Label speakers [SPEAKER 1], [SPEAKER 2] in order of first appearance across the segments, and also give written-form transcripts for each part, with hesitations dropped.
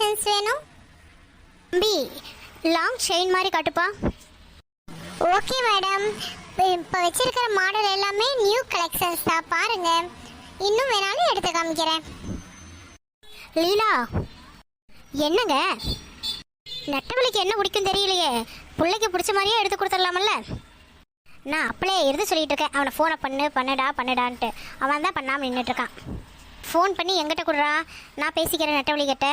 [SPEAKER 1] Collections வேணும்? தம்பி long chain மாதிரி காட்டுப்பா. ஓகே மேடம், இப்போ வச்சிருக்கிற மாடல் எல்லாமே நியூ கலெக்ஷன்ஸ் தான், பாருங்க. இன்னும் வேணாலும் எடுத்து காமிக்கிறேன். லீலா என்னங்க நெட்டவழிக்கு என்ன பிடிக்கும் தெரியலையே, பிள்ளைக்கு பிடிச்ச மாதிரியே எடுத்து கொடுத்துடலாமல்ல. நான் அப்படியே எடுத்து சொல்லிட்டு இருக்கேன், அவனை ஃபோனை பண்ணுடான்ட்டு அவன் தான் பண்ணாமல் நின்றுட்டு இருக்கான். ஃபோன் பண்ணி எங்கிட்ட கொடுறா, நான் பேசிக்கிறேன் நெட்டவழி கிட்ட.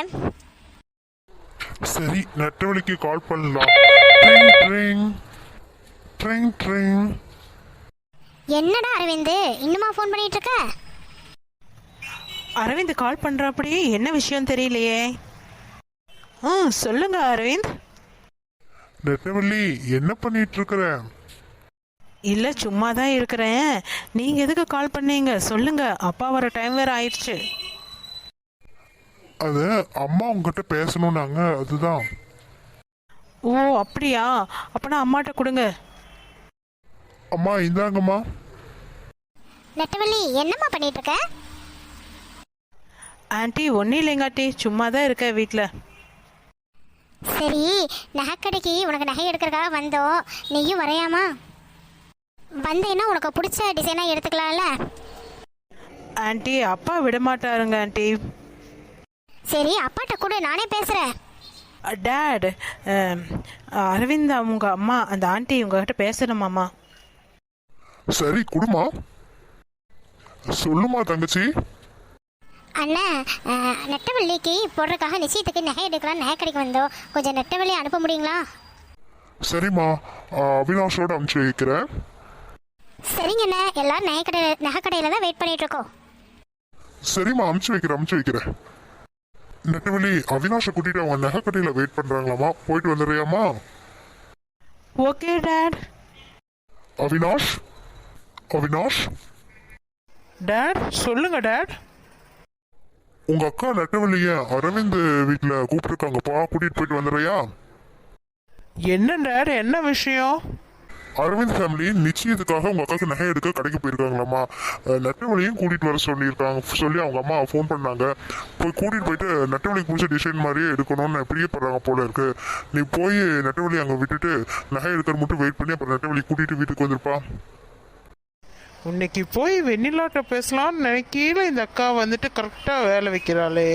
[SPEAKER 2] சரி, நெட்டவழிக்கு கால் பண்ணலாம்.
[SPEAKER 1] என்னடா அரவிந்த் இன்னுமா ஃபோன் பண்ணிட்டு இருக்க?
[SPEAKER 3] அரவிந்த் கால் பண்றாப்படியே, என்ன விஷயம் தெரியலையே. சொல்லுங்க அரவிந்த்.
[SPEAKER 2] நெட்டவள்ளி என்ன பண்ணிட்டு இருக்கிற?
[SPEAKER 3] இல்ல சும்மா தான் இருக்கிறேன். நீங்க எதுக்கு கால் பண்ணீங்க சொல்லுங்க, அப்பா வர டைம் வேற ஆயிடுச்சு.
[SPEAKER 2] அது அம்மா உங்ககிட்ட பேசணும்னாங்க, அதுதான்.
[SPEAKER 3] ஓ அப்படியா, அப்பனா அம்மாட்ட கொடுங்க.
[SPEAKER 2] அம்மா இந்தாங்கம்மா.
[SPEAKER 1] நெட்டவள்ளி என்னம்மா பண்ணிட்டு இருக்க?
[SPEAKER 3] ஆண்டி ஒன்றும் இல்லைங்க ஆண்டி, சும்மா தான் இருக்க வீட்டில்.
[SPEAKER 1] சரி, நகைக்கடைக்கு உனக்கு நகை எடுக்கிறதுக்காக வந்தோம், நீயும் வரையாமா? வந்தேன்னா உனக்கு பிடிச்ச டிசைனாக எடுத்துக்கலாம்ல.
[SPEAKER 3] ஆண்டி அப்பா விடமாட்டாருங்க ஆண்டி.
[SPEAKER 1] சரி அப்பாட்ட கூட நானே பேசுகிறேன்.
[SPEAKER 3] டேட், அரவிந்த் அவங்க அம்மா அந்த ஆண்டி உங்ககிட்ட பேசணுமாம்மா.
[SPEAKER 2] சரி குடுமா, சொல்லுமா தங்கச்சி.
[SPEAKER 1] அண்ணா, நெட்டவள்ளிக்கு போடுறதுக்காக நிச்சயத்துக்கு நகை எடுக்கலாம், நகை கடைக்கு வந்தோம், கொஞ்சம் நெட்டவள்ளி அனுப்ப முடியுங்களா?
[SPEAKER 2] சரிம்மா, அவினாஷோட அனுப்பிச்சு வைக்கிறேன்.
[SPEAKER 1] சரிங்கண்ணா, எல்லாரும் நகை கடையில் தான் வெயிட் பண்ணிட்டு இருக்கோம்.
[SPEAKER 2] சரிம்மா, அனுப்பிச்சு வைக்கிறேன். நெட்டவள்ளி, அவினாஷை கூட்டிட்டு அவங்க நகை கடையில வெயிட் பண்றாங்களாமா, போயிட்டு வந்துடுறியாமா?
[SPEAKER 3] Okay dad.
[SPEAKER 2] அவினாஷ்
[SPEAKER 3] டாட் சொல்லுங்க டாட்.
[SPEAKER 2] உங்க அக்கா நெட்டவள்ளிய அரவிந்த் வீட்டுல கூப்பிட்டுருக்காங்கப்பா, கூட்டிட்டு போயிட்டு வந்துடுறியா?
[SPEAKER 3] என்ன டாட், என்ன விஷயம்?
[SPEAKER 2] அரவிந்த் ஃபேமிலி நிச்சயத்துக்காக உங்க அக்காவுக்கு நகை எடுக்க கடைக்கு போயிருக்காங்களாமா. நெட்டவழியும் கூட்டிட்டு வர சொல்லி அவங்க அம்மா ஃபோன் பண்ணாங்க. போய் கூட்டிட்டு போயிட்டு நெட்டவழிக்கு பிடிச்ச டிசைன் மாதிரியே எடுக்கணும்னு பிரியப்படுறாங்க போல இருக்கு. நீ போய் நெட்டவழி அங்கே விட்டுட்டு நகை எடுக்கிற மட்டும் வெயிட் பண்ணி அப்புறம் நெட்டவழி கூட்டிட்டு வீட்டுக்கு வந்துருப்பா.
[SPEAKER 4] இன்னைக்கு போய் வெண்ணிலாட்ட பேசலாம்னு நினைக்கல, இந்த அக்கா வந்துட்டு கரெக்டாக வேலை வைக்கிறாளே.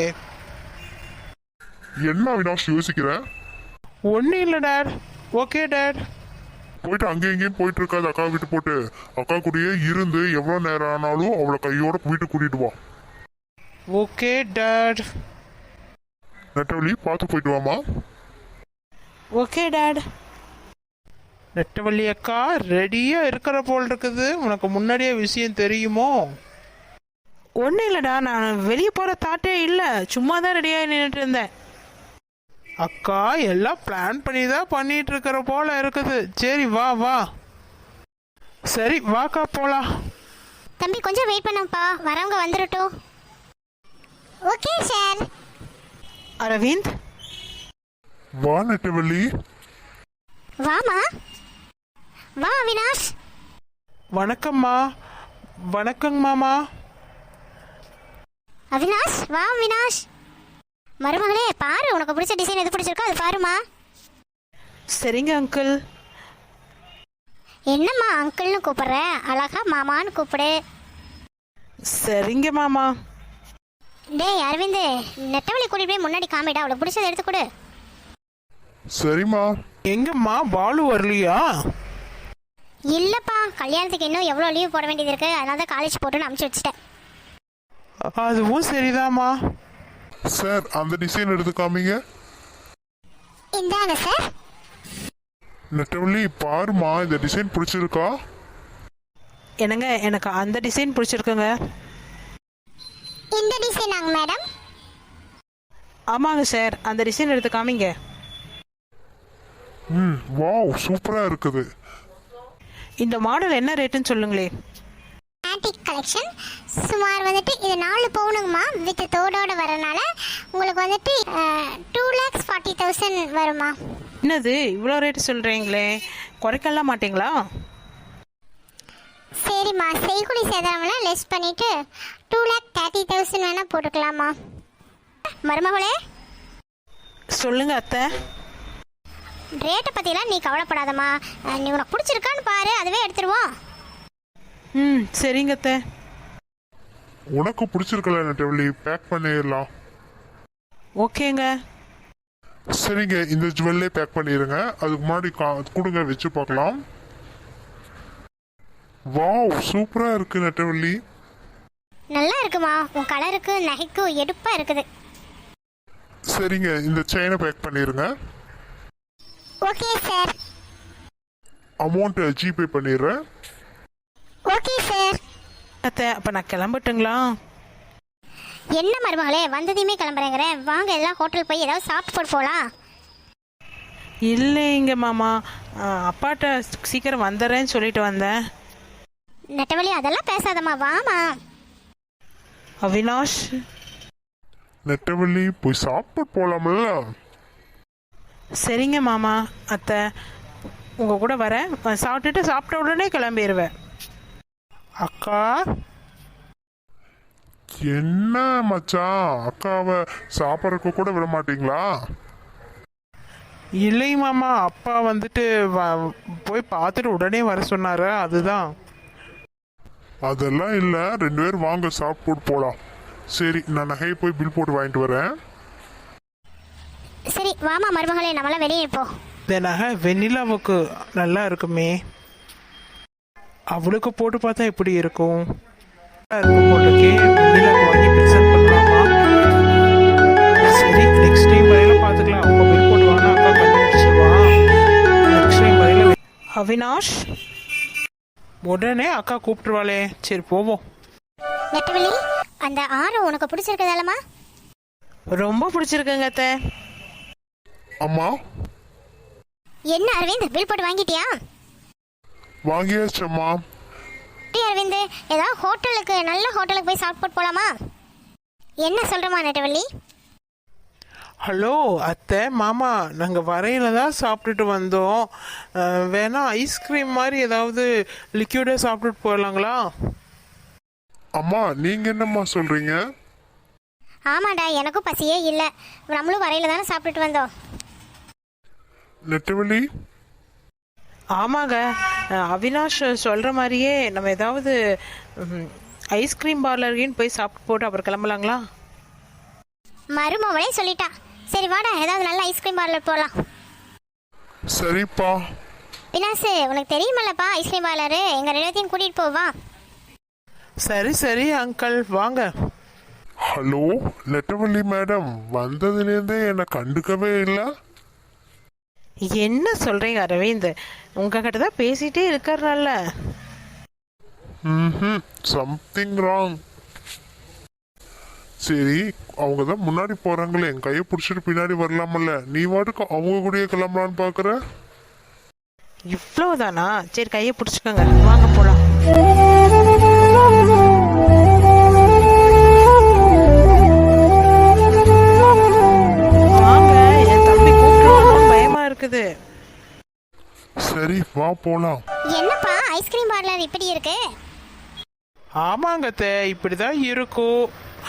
[SPEAKER 2] என்ன அவினாஷ் யோசிக்கிற?
[SPEAKER 4] ஒன்றும் இல்லை டாட். Okay dot.
[SPEAKER 2] போயிட்டு அங்கேயும் இங்கேயும் போயிட்டு இருக்காது, அக்கா விட்டு போட்டு அக்கா கூடயே இருந்து எவ்வளோ நேரம் ஆனாலும் அவளை கையோட வீட்டுக்கு கூட்டிட்டு வா.
[SPEAKER 4] Okay dad.
[SPEAKER 2] நெட்டவழி பார்த்து போயிட்டு வாமா.
[SPEAKER 3] Okay dad.
[SPEAKER 4] நெட்டவள்ளி அக்கா ரெடியாக இருக்கிற போல் இருக்குது, உனக்கு முன்னாடியே விஷயம் தெரியுமோ?
[SPEAKER 3] ஒன்றும் இல்லைடா, நான் வெளியே போகிற தாட்டே இல்லை, சும்மா தான் ரெடியாக நின்றுட்டு இருந்தேன்.
[SPEAKER 4] அக்கா எல்லாம் பிளான் பண்ணி தான் பண்ணிட்டு இருக்கிற போல இருக்குது. சரி வா வா. சரி வாக்கா போலாம்.
[SPEAKER 1] தம்பி கொஞ்சம் வெயிட் பண்ணுப்பா, வரவங்க வந்துடட்டும். Okay sir.
[SPEAKER 3] அரவிந்த்
[SPEAKER 2] வா நெட்டவள்ளி.
[SPEAKER 1] வாமா, வா அவினாஷ்.
[SPEAKER 4] வணக்கம்மா. வணக்கங்க மாமா.
[SPEAKER 1] அவினாஷ் வா. அவினாஷ் மருமகளே, பாரு உனக்கு பிடிச்ச டிசைன் எது பிடிச்சிருக்கோ அது பாருமா.
[SPEAKER 3] சரிங்க அங்கிள்.
[SPEAKER 1] என்னம்மா அங்கிள்னு கூப்பிடுற, அழகா மாமான்னு கூப்பிடு.
[SPEAKER 3] சரிங்க மாமா.
[SPEAKER 1] டேய் அரவிந்த், நெட்டவழி கூட்டிட்டு போய் முன்னாடி காமிடா, அவளுக்கு பிடிச்சதை எடுத்து கொடு.
[SPEAKER 2] சரிம்மா.
[SPEAKER 4] எங்கம்மா பாலு வரலையா?
[SPEAKER 1] இல்லப்பா, கல்யாணத்துக்கு இன்னும் எவ்வளோ லீவ் போட வேண்டியது இருக்கு, அதனால தான் காலேஜ் போட்டுன்னு அனுப்பிச்சு வச்சுட்டேன்.
[SPEAKER 4] அதுவும் சரிதாம்மா.
[SPEAKER 2] சார் அந்த டிசைன் எடுத்து காமிங்க.
[SPEAKER 1] இந்தாங்க சார்.
[SPEAKER 2] நெட்டவள்ளி பாருமா, இந்த டிசைன் பிடிச்சிருக்கா?
[SPEAKER 3] என்னங்க, எனக்கு அந்த டிசைன் பிடிச்சிருக்குங்க.
[SPEAKER 1] இந்த டிசைனாங்க மேடம்?
[SPEAKER 3] ஆமாங்க சார், அந்த டிசைன் எடுத்து காமிங்க.
[SPEAKER 2] வாவ், சூப்பரா இருக்குது.
[SPEAKER 3] இந்த மாடல் என்ன ரேட்டுன்னு சொல்லுங்களே.
[SPEAKER 1] ஆன்டிக் கலெக்ஷன் சுமார் வந்துட்டு இது 4 பவுனுங்கம்மா, வித் தோடோட வரனால உங்களுக்கு வந்துட்டு 2,40,000 வருமா.
[SPEAKER 3] என்னது இவ்வளோ ரேட்டு சொல்கிறீங்களே, குறைக்கலாம் மாட்டிங்களா?
[SPEAKER 1] சரிம்மா, செய்குலி சேதாரம்லாம் லெஸ் பண்ணிட்டு 2,30,000 வேணா போட்டுக்கலாமா. மருமகளே
[SPEAKER 3] சொல்லுங்க அத்தை.
[SPEAKER 1] ரேட்டை பற்றிலாம் நீ கவலைப்படாதம்மா. நீ உனக்கு பிடிச்சிருக்கான்னு பாரு, அதுவே எடுத்துருவோம்.
[SPEAKER 3] ம் சரிங்க அத்தை.
[SPEAKER 2] உனக்கு பிடிச்சிருக்கல நெட்டவழி, பேக் பண்ணிடலாம்.
[SPEAKER 3] ஓகேங்க.
[SPEAKER 2] சரிங்க, இந்த ஜுவல்லே பேக் பண்ணிடுங்க. அதுக்கு முன்னாடி கொடுங்க, வச்சு பார்க்கலாம். வாவ், சூப்பராக இருக்கு நெட்டவள்ளி.
[SPEAKER 1] நல்லா இருக்குமா, உன் கலருக்கு நகைக்கு எடுப்பாக இருக்குது.
[SPEAKER 2] சரிங்க, இந்த செயினை பேக் பண்ணிடுங்க.
[SPEAKER 1] Okay sir.
[SPEAKER 2] அமௌண்ட் ஜிபே பண்ணிடுறேன்.
[SPEAKER 1] Okay sir.
[SPEAKER 3] அத்தை அப்போ நான் கிளம்பட்டுங்களா?
[SPEAKER 1] என்ன மருமகளே, வந்ததையுமே கிளம்புறேங்கிறேன். வாங்க எல்லாம் ஹோட்டல் போய் ஏதாவது சாப்பிட்டு போட்டு போகலாம்.
[SPEAKER 3] இல்லைங்க மாமா, அப்பாட்ட சீக்கிரம் வந்துடுறேன்னு சொல்லிட்டு வந்தேன்.
[SPEAKER 1] நெட்டவழி அதெல்லாம் பேசாதம்மா, வாமா.
[SPEAKER 3] அவினாஷ்.
[SPEAKER 2] நெட்டவள்ளி போய் சாப்பிட்டு போலாம்ல.
[SPEAKER 3] சரிங்க மாமா. அத்தை உங்கள் கூட வரேன், சாப்பிட்ட உடனே கிளம்பிடுவேன்.
[SPEAKER 4] அக்கா,
[SPEAKER 2] என்ன மச்சான், அக்காவை சாப்பிட்றதுக்கு கூட விட மாட்டீங்களா?
[SPEAKER 4] இல்லை மாமா, அப்பா வந்துட்டு போய் பார்த்துட்டு உடனே வர சொன்னாரு, அதுதான்.
[SPEAKER 2] அதெல்லாம் இல்லை, 2 பேரும் வாங்க சாப்பிட்டு போகலாம். சரி, நான் நகையை போய் பில் போட்டு வாங்கிட்டு வரேன்.
[SPEAKER 1] சரி வாமா மருமகளே, நம்மளாம் வெளியே இருப்போம்.
[SPEAKER 4] இந்த நகை வெண்ணிலாவுக்கு நல்லா இருக்குமே, அவளுக்கு போட்டு பார்த்தா எப்படி இருக்கும்? இருக்கும் போட்டுக்கே, வெண்ணிலாவுக்கு வாங்கி ப்ரெசென்ட் பண்ணலாமா? சரி, நெக்ஸ்ட் டைம் வரையில பார்த்துக்கலாம். அவங்க பில் போட்டு வாங்க, அக்கா கண்டுபிடிச்சிருவா. நெக்ஸ்ட் டைம் வரையில
[SPEAKER 3] அவினாஷ்.
[SPEAKER 4] உடனே அக்கா கூப்பிட்டுருவாளே. சரி போவோம்.
[SPEAKER 1] நெட்டவழி, அந்த ஆரம் உனக்கு பிடிச்சிருக்கதாலமா?
[SPEAKER 3] ரொம்ப பிடிச்சிருக்குங்க அத்தை.
[SPEAKER 2] அம்மா,
[SPEAKER 1] என்ன அரவிந்த், பில் போட்டு வாங்கிட்டியா?
[SPEAKER 2] வாங்கியாச்சம்மா.
[SPEAKER 1] அரவிந்த், ஏதாவது ஹோட்டலுக்கு, நல்ல ஹோட்டலுக்கு போய் சாப்பிட்டு போட்டு போலாமா? என்ன சொல்றமா நெட்டவள்ளி?
[SPEAKER 4] ஹலோ அத்தை, மாமா, நாங்கள் வரையில தான் சாப்பிட்டுட்டு வந்தோம். வேணா ஐஸ்கிரீம் மாதிரி ஏதாவது லிக்யூடாக சாப்பிட்டுட்டு போயிடலாங்களா?
[SPEAKER 2] அம்மா, நீங்க என்னம்மா சொல்றீங்க?
[SPEAKER 1] ஆமாடா, எனக்கும் பசியே இல்லை. நம்மளும் வரையில தானே சாப்பிட்டுட்டு வந்தோம்.
[SPEAKER 2] நெட்டவள்ளி,
[SPEAKER 3] ஆமாங்க, அவினாஷ் சொல்கிற மாதிரியே நம்ம ஏதாவது ஐஸ்கிரீம் பார்லர்கின்னு போய் சாப்பிட்டு போட்டு அப்புறம் கிளம்பலாங்களா?
[SPEAKER 1] மருமவளே சொல்லிட்டா. சரி வாடா, ஏதாவது நல்ல ஐஸ்கிரீம் பார்லர் போகலாம்.
[SPEAKER 2] சரிப்பா.
[SPEAKER 1] வினாஸ், உனக்கு தெரியுமல்லப்பா ஐஸ்கிரீம் பார்லரு, எங்கள் ரெண்டுத்தையும் கூட்டிகிட்டு போவா.
[SPEAKER 4] சரி சரி அங்கிள், வாங்க.
[SPEAKER 2] ஹலோ நெட்டவள்ளி மேடம், வந்ததுலேருந்தே என்னை கண்டுக்கவே இல்லை.
[SPEAKER 3] என்ன சொல்கிறீங்க அரவிந்த்? உங்ககிட்ட தான் பேசிகிட்டே இருக்காருனால.
[SPEAKER 2] Something wrong. சரி, அவங்க தான் முன்னாடி போகிறாங்களே, என் கையை பிடிச்சிட்டு பின்னாடி வரலாமல்ல, நீ வாட்டுக்கு அவங்க கூடயே கிளம்பலான்னு பார்க்குற.
[SPEAKER 3] இவ்வளோதானா? சரி, கையை பிடிச்சிக்கோங்க, வாங்க போகலாம். வாங்க, என் தம்பி கூப்பிட்டு பயமா இருக்குது.
[SPEAKER 2] சரி, வா போலாம்.
[SPEAKER 1] என்னப்பா ஐஸ்கிரீம் பார்லர் இப்படி இருக்கு?
[SPEAKER 4] ஆமாங்க அத்தை, இப்படிதான் இருக்கும்.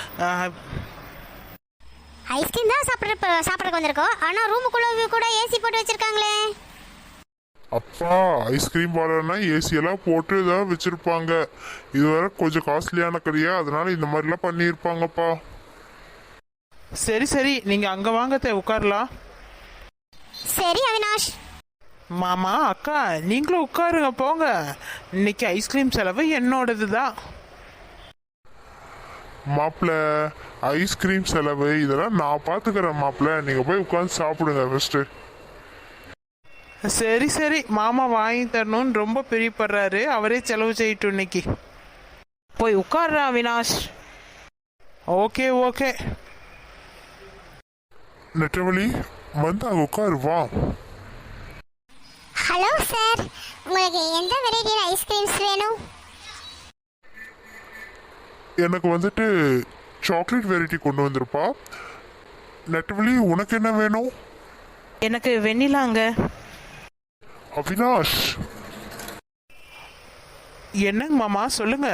[SPEAKER 1] ஐஸ்கிரீம் தான் சாப்பிட்றதுக்கு வந்திருக்கோம், ஆனால் ரூமுக்குள்ள கூட ஏசி போட்டு வச்சிருக்காங்களே.
[SPEAKER 2] அப்பா, ஐஸ்கிரீம் பார்லர்னா ஏசி எல்லாம் போட்டு தான் வச்சிருப்பாங்க. இது வரை கொஞ்சம் காஸ்ட்லியான கடையா, அதனால இந்த மாதிரிலாம் பண்ணியிருப்பாங்கப்பா.
[SPEAKER 4] சரி சரி, நீங்க அங்க வாங்க அத்தை, உட்காரலாம்.
[SPEAKER 1] சரி அவினாஷ்.
[SPEAKER 4] மாமா, அக்கா, நீங்களும் உட்காருங்க, போங்க. இன்னைக்கு ஐஸ்கிரீம் செலவு என்னோடது தான்.
[SPEAKER 2] மாப்பிள்ள, ஐஸ்கிரீம் செலவு இதெல்லாம் நான் பார்த்துக்கிறேன் மாப்பிள்ள, நீங்கள் போய் உட்காந்து சாப்பிடுங்க ஃபஸ்ட்டு.
[SPEAKER 4] சரி சரி, மாமா வாங்கி தரணும்னு ரொம்ப பிரியப்படுறாரு, அவரே செலவு செய்யட்டும் இன்னைக்கு.
[SPEAKER 3] போய் உட்கார்றா அவினாஷ்.
[SPEAKER 4] Okay okay.
[SPEAKER 2] நெட்டவழி, வந்து அங்கே உட்காரு, வா.
[SPEAKER 1] ஹலோ சார், உங்களுக்கு எந்த வெரைட்டியில் ஐஸ்கிரீம்ஸ் வேணும்?
[SPEAKER 2] எனக்கு வந்துட்டு சாக்லேட் வெரைட்டி கொண்டு வந்திருப்பா. நெட்டவழி, உனக்கு என்ன வேணும்?
[SPEAKER 3] எனக்கு வெண்ணிலாங்க.
[SPEAKER 2] அவினாஷ்,
[SPEAKER 4] என்னங்க மாமா, சொல்லுங்க.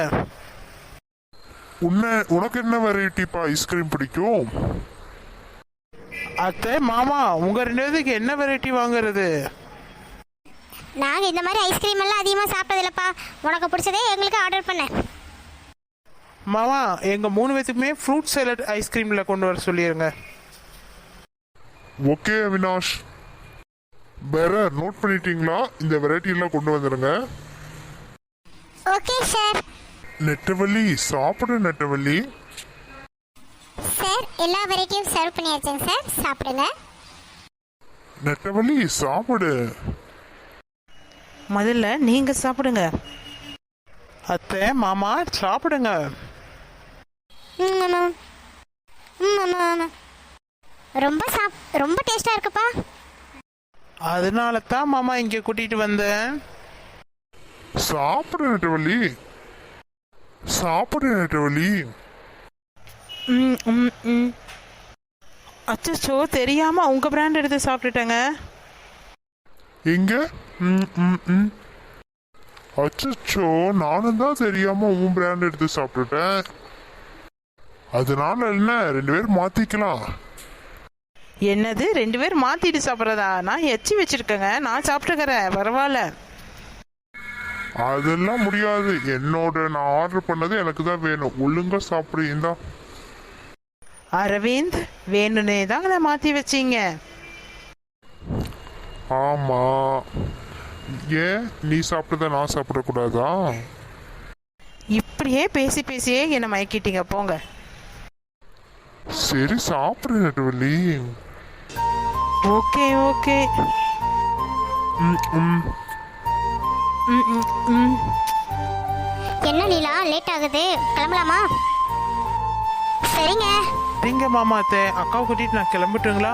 [SPEAKER 2] உனக்கு என்ன வெரைட்டிப்பா ஐஸ்கிரீம் பிடிக்கும்?
[SPEAKER 4] அத்தை மாமா உங்க ரெண்டு பேருக்கு என்ன வெரைட்டி வாங்குறது?
[SPEAKER 1] நாங்க இந்த மாதிரி ஐஸ்கிரீம் எல்லாம் அதிகமா சாப்பிட்டதில்லப்பா. உனக்கு பிடிச்சதே எங்களுக்கு ஆர்டர் பண்ண.
[SPEAKER 4] மாமா எங்க 3 பேத்துக்குமே ஃப்ரூட் சாலட் ஐஸ்கிரீம்ல கொண்டு வர சொல்லிருங்க.
[SPEAKER 2] ஓகே அவினாஷ். வேற நோட் பண்ணிட்டீங்களா? இந்த வெரைட்டி எல்லாம் கொண்டு வந்துடுங்க.
[SPEAKER 1] Okay sir.
[SPEAKER 2] நெட்டவள்ளி சாப்பிடு நெட்டவள்ளி.
[SPEAKER 1] சார் எல்லா வெரைட்டியும் சர்வ் பண்ணியாச்சுங்க சார், சாப்பிடுங்க.
[SPEAKER 2] நெட்டவள்ளி சாப்பிடு.
[SPEAKER 3] முதல்ல நீங்க சாப்பிடுங்க.
[SPEAKER 4] அத்தை மாமா சாப்பிடுங்க.
[SPEAKER 1] ம், ஆமா. ம், ஆமா, ஆமா. ரொம்ப டேஸ்டா இருக்குப்பா.
[SPEAKER 4] அதனால தான் மாமா இங்க கூட்டிட்டு வந்தேன்.
[SPEAKER 2] சாப்பிடு நெட்டவள்ளி. சாப்பிடு நெட்டவள்ளி.
[SPEAKER 3] ம் ம் ம் அச்சோ, தெரியாம உங்க பிராண்ட் எடுத்து சாப்பிட்டுட்டேங்க.
[SPEAKER 2] எங்க? அச்சோ, நானும் தான் தெரியாம உன் பிராண்ட் எடுத்து சாப்பிட்டுட்டேன். அதனால என்ன, 2 பேரும் மாத்திக்கலாம்.
[SPEAKER 3] என்னது 2 பேர் மாத்திட்டு சாப்பிட்றதா? நான் எச்சி வச்சிருக்கேங்க, நான் சாப்பிட்டுக்கிறேன், பரவாயில்ல.
[SPEAKER 2] அதெல்லாம் முடியாது. நான் ஆர்டர் பண்ணது எனக்கு தான் வேணும். ஒழுங்கா சாப்பிடுறீங்களா?
[SPEAKER 3] அரவிந்த், வேணுனே தான் அதை மாத்தி வச்சீங்க.
[SPEAKER 2] ஆமா. ஏன் நீ சாப்பிட்டத நான் சாப்பிடக்கூடாதா?
[SPEAKER 3] இப்படியே பேசி பேசியே என்னை மயக்கிட்டீங்க, போங்க.
[SPEAKER 2] சரி சாப்பிடு நெட்டவள்ளி.
[SPEAKER 3] Okay okay.
[SPEAKER 2] ம், ம்.
[SPEAKER 3] ம் ம் ம்
[SPEAKER 1] என்ன நீலா, லேட் ஆகுது, கிளம்பலாமா? சரிங்க.
[SPEAKER 4] சரிங்க மாமா. அத்தை அக்காவை கூட்டிட்டு நான் கிளம்பட்டுங்களா?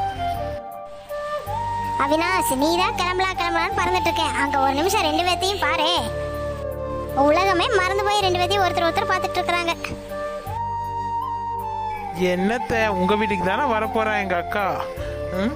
[SPEAKER 1] அவினாஷ், நீ தான் கிளம்பலான்னு பறந்துட்டு இருக்கேன். அங்க ஒரு நிமிஷம் 2 பேர்த்தையும் பாரு. உலகமே மறந்து போய் 2 பேர்த்தையும் ஒருத்தர் பார்த்துட்டு இருக்கிறாங்க.
[SPEAKER 4] என்னத்த உங்க வீட்டுக்கு தானே வரப்போறா எங்க அக்கா. ம்?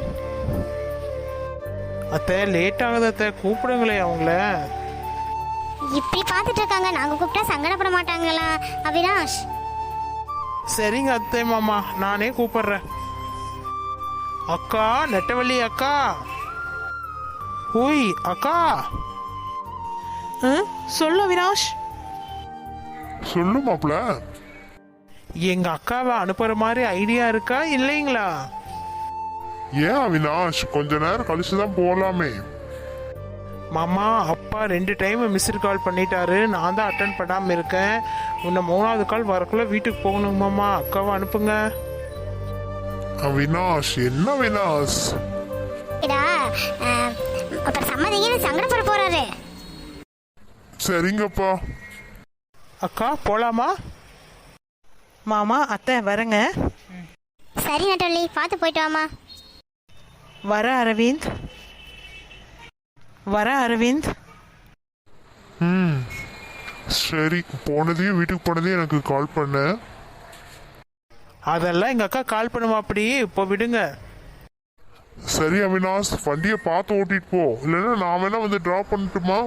[SPEAKER 4] அத்தை லேட் ஆகுது அத்தை, கூப்பிடுங்களே அவங்கள.
[SPEAKER 1] இப்படி பார்த்துட்டு இருக்காங்க, நாங்க கூப்பிட்டா சங்கடப்பட மாட்டாங்களா அவினாஷ்?
[SPEAKER 4] சரிங்க அத்தை மாமா, நானே கூப்பிடுறேன். அக்கா, நெட்டவள்ளி அக்கா. ஹூய் அக்கா.
[SPEAKER 3] சொல்லு அவினாஷ்.
[SPEAKER 2] சொல்லு மாப்ள.
[SPEAKER 4] எங்க அக்காவை அனுப்புற மாதிரி ஐடியா இருக்கா இல்லைங்களா?
[SPEAKER 2] ஏன் அவினாஷ், கொஞ்ச நேரம் கழிச்சுதான் போலாமே.
[SPEAKER 4] மாமா அப்பா 2 டைம் மிஸ்டு கால் பண்ணிட்டாரு, நான் தான் அட்டன் பண்ணாம இருக்கேன். இன்னும் 3வது கால் வரக்குள்ள வீட்டுக்கு போகணும் மாமா. அக்காவை அனுப்புங்க.
[SPEAKER 2] அவினாஷ், என்ன அவினாஷ்?
[SPEAKER 1] இதா அப்புறம் சம்மதிங்கன்னு சங்கடப்பட போறாரு.
[SPEAKER 2] சரிங்கப்பா.
[SPEAKER 4] அக்கா போலாமா?
[SPEAKER 3] மாமா, அத்தை வரேங்க.
[SPEAKER 1] சரி நட்டவள்ளி, பார்த்து போயிட்டு வாமா.
[SPEAKER 3] வர அரவிந்த்.
[SPEAKER 2] ம், சரி. போனதையும் வீட்டுக்கு போனதையும் எனக்கு கால் பண்ண.
[SPEAKER 4] அதெல்லாம் எங்க அக்கா கால் பண்ணுவா. அப்படி இப்போ விடுங்க.
[SPEAKER 2] சரி அவினாஷ், வண்டியை பார்த்து ஓட்டிட்டு போ. இல்லைன்னா நான் வேணா வந்து டிராப் பண்ணட்டுமா?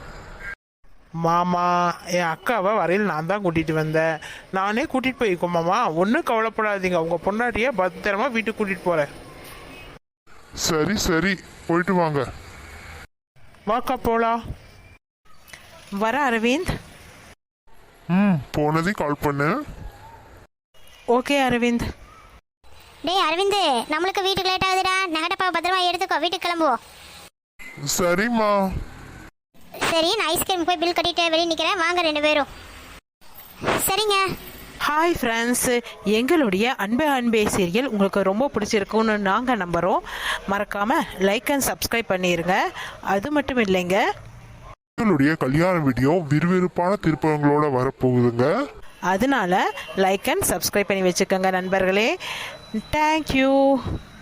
[SPEAKER 4] மாமா என் அக்காவை வரையில் நான் தான் கூட்டிட்டு வந்தேன், நானே கூட்டிட்டு போய்க்கோ மாமா. ஒன்றும் கவலைப்படாதீங்க, உங்க பொண்டாட்டிய பத்திரமா வீட்டுக்கு கூட்டிட்டு போறேன்.
[SPEAKER 2] சரி சரி, போயிட்டு வாங்க.
[SPEAKER 4] வாக்கா போலாம்.
[SPEAKER 3] வர அரவிந்த்.
[SPEAKER 2] ம், போனதையும் கால் பண்ணு.
[SPEAKER 3] ஓகே அரவிந்த்.
[SPEAKER 1] டேய் அரவிந்த், நம்மளுக்கு வீட்டுக்கு லேட் ஆகுதுடா. நகடப்பா பத்திரமா எடுத்துக்கோ, வீட்டுக்கு கிளம்புவோம்.
[SPEAKER 2] சரிம்மா.
[SPEAKER 1] சரி, நான் ஐஸ்கிரீம் போய் பில் கட்டிட்டு வெளியே நிற்கிறேன், வாங்க 2 பேரும். சரிங்க.
[SPEAKER 3] ஹாய் ஃப்ரெண்ட்ஸ், எங்களுடைய அன்பே சீரியல் உங்களுக்கு ரொம்ப பிடிச்சிருக்குன்னு நாங்கள் நம்புகிறோம். மறக்காமல் லைக் அண்ட் சப்ஸ்கிரைப் பண்ணிடுங்க. அது மட்டும் இல்லைங்க,
[SPEAKER 2] எங்களுடைய கல்யாண வீடியோ விறுவிறுப்பான திருப்பங்களோட வரப்போகுதுங்க.
[SPEAKER 3] அதனால லைக் அண்ட் சப்ஸ்கிரைப் பண்ணி வச்சுக்கோங்க நண்பர்களே. தேங்க்யூ.